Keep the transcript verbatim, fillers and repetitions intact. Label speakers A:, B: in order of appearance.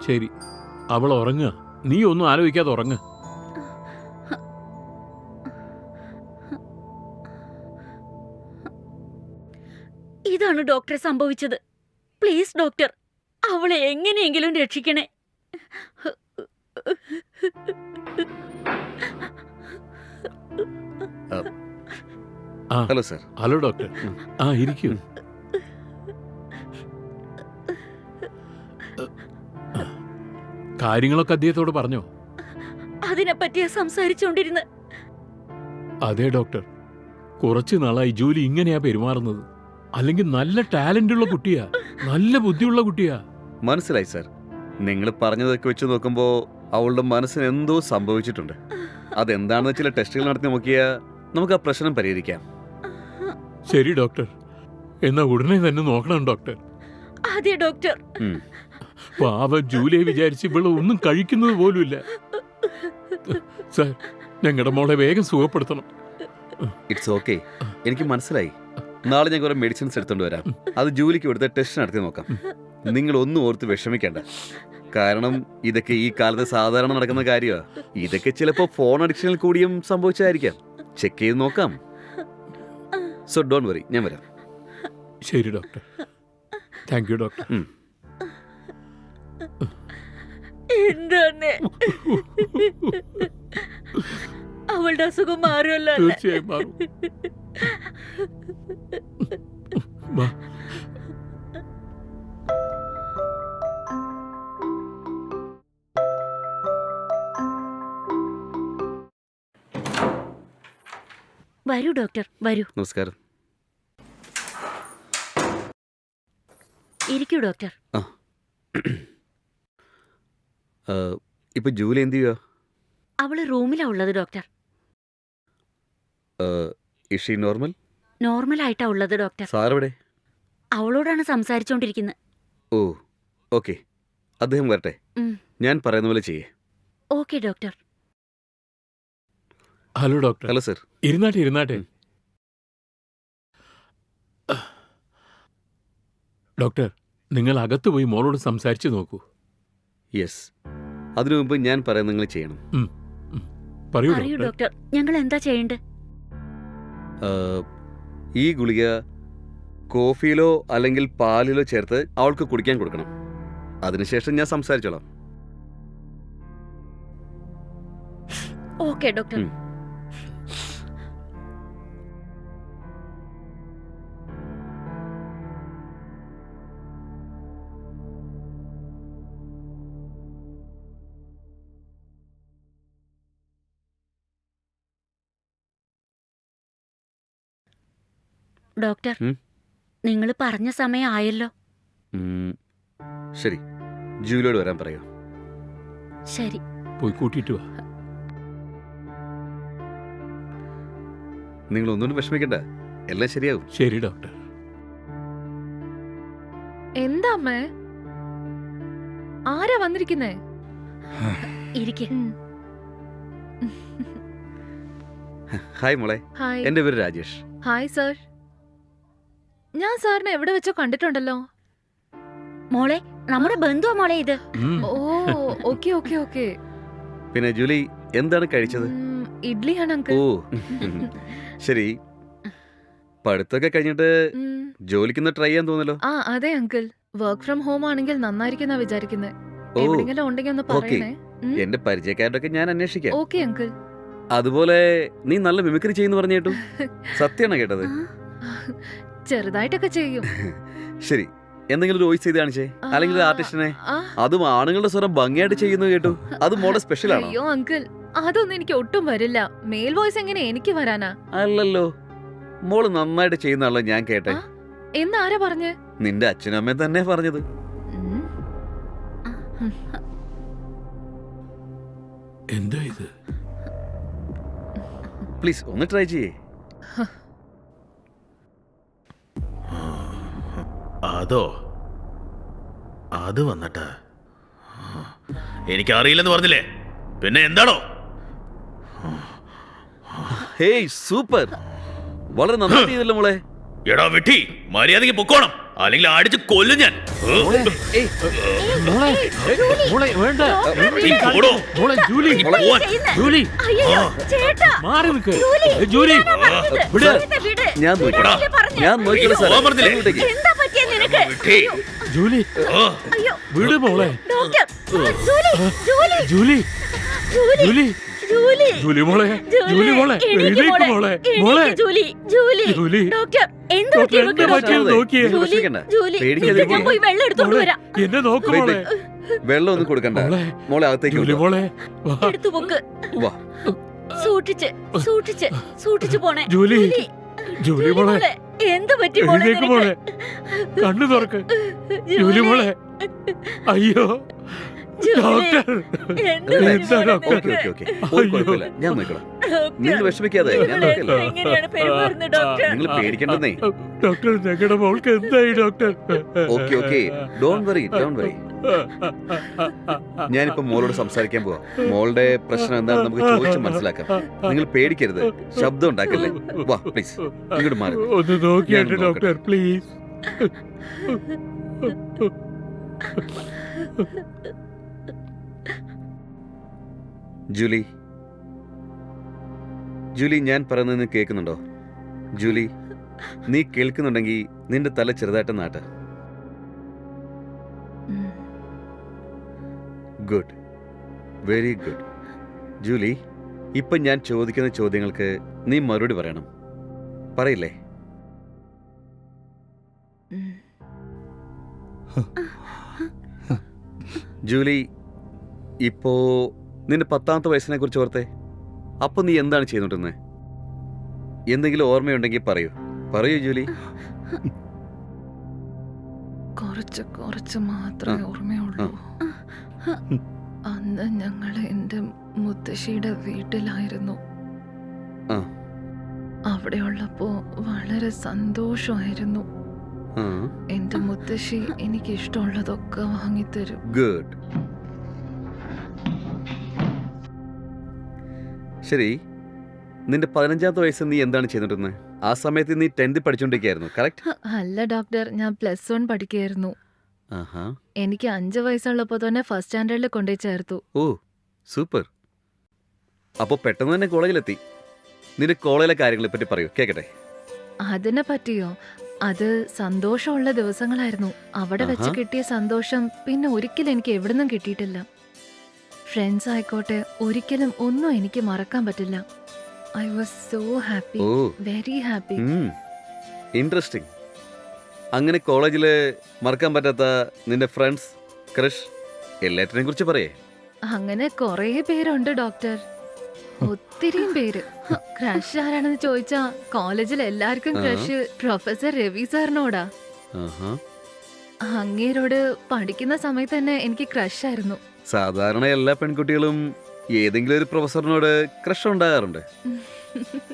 A: ശരി, അവൾ ഉറങ്ങുക. നീ ഒന്നും ആലോചിക്കാതെ ഉറങ്ങ്.
B: ഇതാണ് ഡോക്ടറെ സംഭവിച്ചത്. പ്ലീസ് ഡോക്ടർ, അവളെ എങ്ങനെയെങ്കിലും രക്ഷിക്കണേ.
C: Hello sir.
A: Hello doctor. ആ, ഇരിക്കൂ. കാര്യങ്ങളൊക്കെ അദ്ദേഹത്തോട് പറഞ്ഞോ?
B: അതിനെപ്പറ്റിയാ സംസാരിച്ചോണ്ടിരുന്ന്.
A: അതെ ഡോക്ടർ, കുറച്ചു നാളായി ജൂലി ഇങ്ങനെയാ പെരുമാറുന്നത്. അല്ലെങ്കിൽ നല്ല ടാലന്റ് ഉള്ള കുട്ടിയാ, നല്ല ബുദ്ധിയുള്ള കുട്ടിയാ.
C: മനസ്സിലായി സർ. നിങ്ങൾ പറഞ്ഞതൊക്കെ വെച്ച് നോക്കുമ്പോൾ അവളുടെ മനസ്സിന് എന്തോ സംഭവിച്ചിട്ടുണ്ട്. അതെന്താണെന്ന് ചില ടെസ്റ്റുകൾ നടത്തി നോക്കിയാൽ നമുക്ക് ആ പ്രശ്നം പരിഹരിക്കാം.
A: ശരി ഡോക്ടർ, എന്നാ ഉടനെ തന്നെ നോക്കണം ഡോക്ടർ.
B: അതെ ഡോക്ടർ.
A: പാവം ജൂലിയെ വിചാരിച്ച് ഇവള് ഒന്നും കഴിക്കുന്നത് പോലുമില്ല. സാർ, ഞങ്ങളുടെ മോളെ വേഗം സുഖപ്പെടുത്തണം.
C: ഇറ്റ്സ് ഓക്കെ, എനിക്ക് മനസ്സിലായി. നാളെ ഞാൻ കുറെ മെഡിസിൻസ് എടുത്തോണ്ട് വരാം. അത് ജൂലിക്ക് കൊടുത്ത ടെസ്റ്റ് നടത്തി നോക്കാം. നിങ്ങൾ ഒന്നും ഓർത്ത് വിഷമിക്കേണ്ട. കാരണം ഇതൊക്കെ ഈ കാലത്ത് സാധാരണ നടക്കുന്ന കാര്യമാണ്. ഇതൊക്കെ ചിലപ്പോൾ ഫോൺ അഡിക്ഷനിൽ കൂടിയും സംഭവിച്ചായിരിക്കാം. ചെക്ക് ചെയ്ത് നോക്കാം. സോ ഡോണ്ട് വറി, ഞാൻ വരാം.
A: ശരി ഡോക്ടർ. Thank you doctor.
B: എന്താണ് അവളുടെ അസുഖം മാറുമല്ലോ?
A: തീർച്ചയായും മാറും. വാ.
B: വരൂ ഡോക്ടർ, വരൂ.
C: നമസ്കാരം.
B: ഇരിക്കൂ ഡോക്ടർ.
C: ആ, ഇപ്പൊ ജൂലി എന്ത് ചെയ്യുക?
B: അവള് റൂമിലാ ഉള്ളത് ഡോക്ടർ.
C: ഇഷ് ഷീ നോർമൽ?
B: നോർമൽ ആയിട്ടാ ഉള്ളത് ഡോക്ടർ.
C: സാറെവിടെ?
B: അവളോടാണ് സംസാരിച്ചോണ്ടിരിക്കുന്നത്.
C: ഓ, ഓക്കെ. അദ്ദേഹം വരട്ടെ. ഞാൻ പറയുന്ന പോലെ ചെയ്യേ.
B: Okay doctor.
A: Hello doctor.
C: Hello sir.
A: ഇരുന്നാട്ടെ ഇരുന്നാട്ടെ. ഡോക്ടർ, നിങ്ങൾ അകത്ത് പോയി മോളോട് സംസാരിച്ചു നോക്കൂ.
C: യെസ്, അതിനു മുമ്പ് ഞാൻ പറയുന്നത് നിങ്ങൾ ചെയ്യണം.
A: പറയൂ
B: പറയൂ
A: ഡോക്ടർ.
B: ഡോക്ടർ, ഞങ്ങൾ എന്താ ചെയ്യേണ്ടത്?
C: ഈ ഗുളിക കോഫിയിലോ അല്ലെങ്കിൽ പാലിലോ ചേർത്ത് അവൾക്ക് കുടിക്കാൻ കൊടുക്കണം. അതിനുശേഷം ഞാൻ സംസാരിച്ചോളാം.
B: Okay doctor. ഡോക്ടർ, നിങ്ങൾ പറഞ്ഞ സമയം ആയല്ലോ.
C: ശരി, ജൂലിയോട് വരാൻ പറയൂ.
B: ശരി,
A: പോയി കൂട്ടിയിട്ട് വാ.
C: നിങ്ങൾ ഒന്നുകൊണ്ടും വിഷമിക്കണ്ട, എല്ലാം ശരിയാവും.
A: ശരി ഡോക്ടർ.
D: എന്താ അമ്മേ, ആരാ വന്നിരിക്കുന്നേ?
B: ഇരിക്കെ.
C: ഹായ് മോളെ.
D: ഹായ്.
C: എന്റെ പേര് രാജേഷ്.
D: Hi sir. ഞാൻ സാറിനെ എവിടെ വെച്ചോ കണ്ടിട്ടുണ്ടല്ലോ.
B: മോളെ, നമ്മുടെ ബന്ധുവാ മോളെ ഇത്.
D: ഓ, ഓക്കെ ഓക്കെ ഓക്കെ.
C: പിന്നെ ജൂലി എന്താണ് കഴിച്ചത്?
D: ഇഡ്ലിയാണ് അങ്കിൾ.
C: ഓ ശരി. പഠിത്തമൊക്കെ കഴിഞ്ഞിട്ട് ജോലിക്കൊന്ന് ട്രൈ ചെയ്യാൻ തോന്നല്ലോ.
D: ആ അതെ അങ്കിൾ, വർക്ക് ഫ്രം ഹോം ആണെങ്കിൽ നന്നായിരിക്കുന്ന വിചാരിക്കുന്നത്.
C: ഓ,
D: എവിടെയെങ്കിലും ഉണ്ടെങ്കിൽ ഒന്ന്
C: ഓക്കെ.
D: പറയണേ.
C: എന്റെ പരിചയക്കാരുടെ ഞാൻ അന്വേഷിക്കാം.
D: Okay uncle.
C: അതുപോലെ നീ നല്ല മിമിക്രി ചെയ്യുന്നു പറഞ്ഞു കേട്ടു. സത്യമാണോ കേട്ടത്?
D: ചെറുതായിട്ടൊക്കെ ചെയ്യും.
C: ശരി, എന്തെങ്കിലും ഒരു വോയിസ് ചെയ്ത് കാണിച്ചേ, അല്ലെങ്കിൽ ഒരു ആർട്ടിസ്റ്റിനെ. അതും ആണുങ്ങളുടെ സ്വരം ഭംഗിയായിട്ട് ചെയ്യുന്നു കേട്ടു. അത് മോടെ സ്പെഷ്യൽ ആണോ?
D: അയ്യോ അങ്കിൾ, അതൊന്നും എനിക്ക് ഒട്ടും വരില്ല. മെയിൽ വോയിസ് എങ്ങനെ എനിക്ക് വരാനാ?
C: അല്ലല്ലോ, മോള് നന്നായിട്ട് ചെയ്യുന്നാണല്ലോ ഞാൻ കേട്ടെ.
D: എന്നാരാ പറഞ്ഞേ?
C: നിന്റെ അച്ഛനും അമ്മയും തന്നെ പറഞ്ഞത്.
A: എന്താ ഇത്?
C: പ്ലീസ് ഒന്ന് ട്രൈ ചെയ്യേ.
E: അതോ അത് വന്നിട്ട് എനിക്കറിയില്ലെന്ന് പറഞ്ഞില്ലേ, പിന്നെ എന്താണോ?
C: ഹേയ് സൂപ്പർ, വളരെ നന്നായി ചെയ്തല്ലോ മോളെ.
E: എടാ വിട്ടി, മര്യാദയ്ക്ക് പൊക്കോണം. അല്ലെങ്കിൽ അടിച്ച് കൊല്ലും ഞാൻ. ഏ?
C: ഏയ്,
A: മോളെ മോളെ വേണ്ട
E: നീ പോടോ.
A: മോളെ ജൂലി
E: നീ പോവാൻ.
A: ജൂലി
B: അയ്യോ ചേട്ടാ
A: മാറി നിൽക്ക് ജൂലി വിട്
B: വിട്, വിട്.
C: ഞാൻ നോക്കിക്കോളാം.
B: വിടാനല്ലേ പറഞ്ഞെ?
C: ഞാൻ നോക്കിക്കോളാം സാറേ.
E: പോവാൻ പറഞ്ഞില്ലേ?
C: ഇങ്ങോട്ടേക്ക്.
B: എന്താ പറ്റിയ നിനക്ക്?
E: വിട്ടേ.
A: ജൂലി
E: ആ.
B: അയ്യോ
A: വിട് മോളെ
B: doctor Julie Julie
A: Julie
B: Julie
A: Julie
B: Julie
A: Julie മോളെ ജൂലി മോളെ
B: എണീക്ക്
A: എഴുന്നേക്ക് മോളെ
B: എണീക്ക്
A: മോളെ
B: ജൂലി ജൂലി
A: ജൂലി
B: ഡോക്ടർ എന്ത്
A: ഡോക്ടർ
B: പറ്റി
A: എന്താ
B: ഇവക്ക്
A: പറ്റിയത്
B: ഡോക്ടർ?
A: നോക്കിയേ
C: നിങ്ങൾ
B: ജൂലി
C: വിഷമിക്കണ്ട.
B: ജൂലി
C: പേടിക്കാതെ
B: നിക്ക്, ഞാൻ പോയി വെള്ളം എടുത്തോണ്ട്
A: മോളെ
B: വരാം.
A: എന്നെ നോക്ക്
C: Wait,
A: മോളെ
C: wait. വെള്ളം ഒന്നും കൊടുക്കണ്ട.
A: മോളെ
C: മോളെ അകത്തേക്ക്
A: ജൂലി
C: കൊണ്ടുവാ.
A: മോളെ വാ
B: എടുത്തു പോക്ക്
C: വാ.
B: സൂക്ഷിച്ച് സൂക്ഷിച്ച് സൂക്ഷിച്ചു പോണേ
A: ജൂലി ജൂലി മോളെ
B: എന്ത് പറ്റി മോളെ
A: എഴുന്നേക്ക്
B: നിനക്ക്?
A: മോളെ കണ്ണു തുറക്ക് ജൂലി മോളെ അയ്യോ
B: ജൂലി,
A: ഡോക്ടർ
B: എന്ത്
C: Relax.
B: പറ്റി
A: എന്താ
B: മോളെ
A: ഡോക്ടർ?
C: ഓക്കെ
B: നിനക്ക്?
C: ഓക്കെ ഓക്കെ ഒരു
A: അയ്യോ.
C: കുഴപ്പമില്ല. ഞാൻ നോക്കണം.
B: ഡോക്ടർ,
C: നിങ്ങൾ വിഷമിക്കാതെ ഞാൻ
B: ഇവളെ
C: നോക്കല്ലോ.
B: എങ്ങനെയാണ് പെരുമാറുന്നത് ഡോക്ടർ?
C: നിങ്ങൾ പേടിക്കണ്ടെന്നേ.
A: ഡോക്ടർ ഞങ്ങളുടെ മോൾക്ക് എന്തായി doctor
C: okay okay don't worry don't worry. ഞാനിപ്പോ മോളോട് സംസാരിക്കാൻ പോവാ. മോളുടെ പ്രശ്നം എന്താണെന്ന് നമുക്ക് ചോദിച്ച് മനസ്സിലാക്കാം. നിങ്ങൾ പേടിക്കരുത്, ശബ്ദം ഉണ്ടാക്കല്ലേ. വാ പ്ലീസ് ഇങ്ങോട്ട് മാറി.
A: ഒന്ന് നോക്കിയാട്ടെ
C: ഞാൻ നോക്കട്ടെ.
A: ഡോക്ടർ പ്ലീസ്
C: ജൂലി ജൂലി ഞാൻ പറയുന്നത് നീ കേൾക്കുന്നുണ്ടോ? ജൂലി നീ കേൾക്കുന്നുണ്ടെങ്കിൽ നിന്റെ തല ചെറുതായിട്ട് നാട്ട.
D: ഉം.
C: Good, very good. ജൂലി ഇപ്പം ഞാൻ ചോദിക്കുന്ന ചോദ്യങ്ങൾക്ക് നീ മറുപടി പറയണം. പറയില്ലേ?
D: ഉം.
C: ജൂലി ഇപ്പോ നിന്റെ പത്താമത്തെ വയസ്സിനെ കുറിച്ച് ഓർത്തേ. അപ്പൊ നീ എന്താണ് ചെയ്തോണ്ടിരുന്നത്? എന്തെങ്കിലും ഓർമ്മയുണ്ടെങ്കിൽ പറയൂ പറയൂ ജൂലി.
D: കുറച്ച് കുറച്ച് മാത്രമേ ഓർമ്മയുള്ളൂ. അന്ന് ഞങ്ങൾ എൻ്റെ മുത്തശ്ശിയുടെ വീട്ടിലായിരുന്നു.
C: ആ.
D: അവിടെ ഉള്ളപ്പോ വളരെ സന്തോഷമായിരുന്നു.
C: ആ,
D: എൻ്റെ മുത്തശ്ശി എനിക്ക് ഇഷ്ടമുള്ളതൊക്കെ വാങ്ങിത്തരും.
C: ഗുഡ്. ശരി, നിന്റെ പതിനഞ്ചാമത്തെ വയസ്സിൽ നീ എന്താണ് ചെയ്തോണ്ടിരുന്നത്? ആ സമയത്ത് നീ ടെൻത്തിൽ പഠിച്ചുകൊണ്ടിരിക്കുകയായിരുന്നു, കറക്റ്റ്?
D: അല്ല ഡോക്ടർ, ഞാൻ പ്ലസ് വൺ പഠിക്കുകയായിരുന്നു.
C: ആഹാ.
D: എനിക്ക് അഞ്ച് വയസ്സുള്ളപ്പോൾ തന്നെ ഫസ്റ്റ് സ്റ്റാൻഡേർഡിൽ കൊണ്ടുപോയി ചേർത്തു.
C: ഓ സൂപ്പർ. അപ്പോൾ പെട്ടെന്ന് തന്നെ കോളേജിലെത്തി. നിന്റെ കോളേജിലെ കാര്യങ്ങളെ പറ്റി പറയൂ, കേക്കട്ടെ.
D: അതിനെ പറ്റിയോ? അത് സന്തോഷമുള്ള ദിവസങ്ങളായിരുന്നു. അവിടെ വെച്ച്
C: ആഹാ.
D: കിട്ടിയ സന്തോഷം പിന്നെ ഒരിക്കലും എനിക്ക് എവിടുന്നും കിട്ടിയിട്ടില്ല. ഫ്രണ്ട്സ് ആയിക്കോട്ടെ, ഒരിക്കലും ഒന്നും എനിക്ക് മറക്കാൻ പറ്റില്ല. I was so happy,
C: oh
D: very happy.
C: Interesting. അങ്ങനെ കോളേജിൽ മറക്കാൻ പറ്റാത്ത നിന്റെ ഫ്രണ്ട്സ്, ക്രഷ് എല്ലാറ്റിനെയും കുറിച്ച് പറയേ.
D: അങ്ങനെ കുറേ പേരുണ്ട് ഡോക്ടർ, ഒത്തിരിയും പേര്. ക്രഷ് ആരാണെന്ന് ചോദിച്ചാ കോളേജിൽ എല്ലാവർക്കും
C: ആ.
D: ക്രഷ് പ്രൊഫസർ രവി സാറിനോടാ.
C: ആഹാ.
D: അങ്ങേരോട് പഠിക്കുന്ന സമയത്ത് തന്നെ എനിക്ക് ക്രഷ് ആയിരുന്നു.
C: സാധാരണ എല്ലാ പെൺകുട്ടികളും ഏതെങ്കിലും ഒരു പ്രൊഫസറിനോട് ക്രഷ് ഉണ്ടാകാറുണ്ട്.